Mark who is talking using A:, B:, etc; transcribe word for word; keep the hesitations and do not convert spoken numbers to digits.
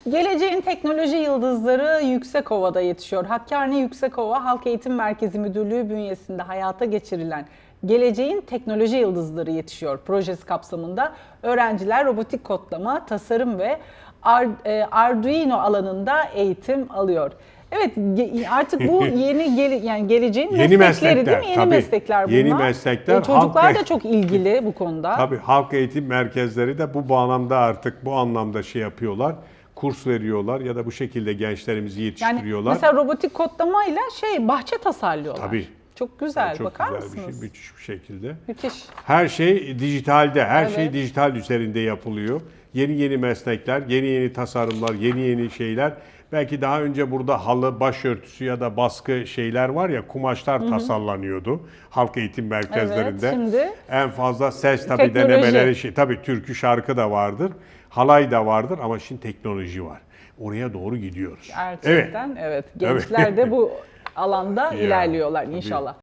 A: Geleceğin teknoloji yıldızları Yüksekova'da yetişiyor. Hakkari Yüksekova Halk Eğitim Merkezi Müdürlüğü bünyesinde hayata geçirilen Geleceğin Teknoloji Yıldızları Yetişiyor projesi kapsamında öğrenciler robotik kodlama, tasarım ve Arduino alanında eğitim alıyor. Evet, artık bu yeni gele, yani geleceğin
B: yeni
A: meslekleri
B: meslekler,
A: değil mi? Yeni
B: tabii,
A: meslekler bunlar.
B: Yeni meslekler.
A: E, çocuklar
B: halk
A: da çok ilgili bu konuda.
B: Tabii halk eğitim merkezleri de bu bağlamda artık bu anlamda şey yapıyorlar. Kurs veriyorlar ya da bu şekilde gençlerimizi yetiştiriyorlar.
A: Yani mesela robotik kodlamayla şey bahçe tasarlıyorlar.
B: Tabii.
A: Çok güzel.
B: Yani çok
A: Bakar
B: güzel
A: mısınız?
B: bir şey, müthiş bir şekilde.
A: Müthiş.
B: Her şey dijitalde, her
A: Evet.
B: şey dijital üzerinde yapılıyor. Yeni yeni meslekler, yeni yeni tasarımlar, yeni yeni şeyler. Belki daha önce burada halı, başörtüsü ya da baskı şeyler var ya, kumaşlar Hı-hı. tasarlanıyordu halk eğitim merkezlerinde.
A: Evet, şimdi
B: en fazla ses tabii
A: teknoloji.
B: denemeleri, şey, tabii türkü şarkı da vardır, halay da vardır ama şimdi teknoloji var. Oraya doğru gidiyoruz.
A: Gerçekten evet. evet. Gençler de bu alanda
B: Ya,
A: ilerliyorlar
B: tabii.
A: inşallah.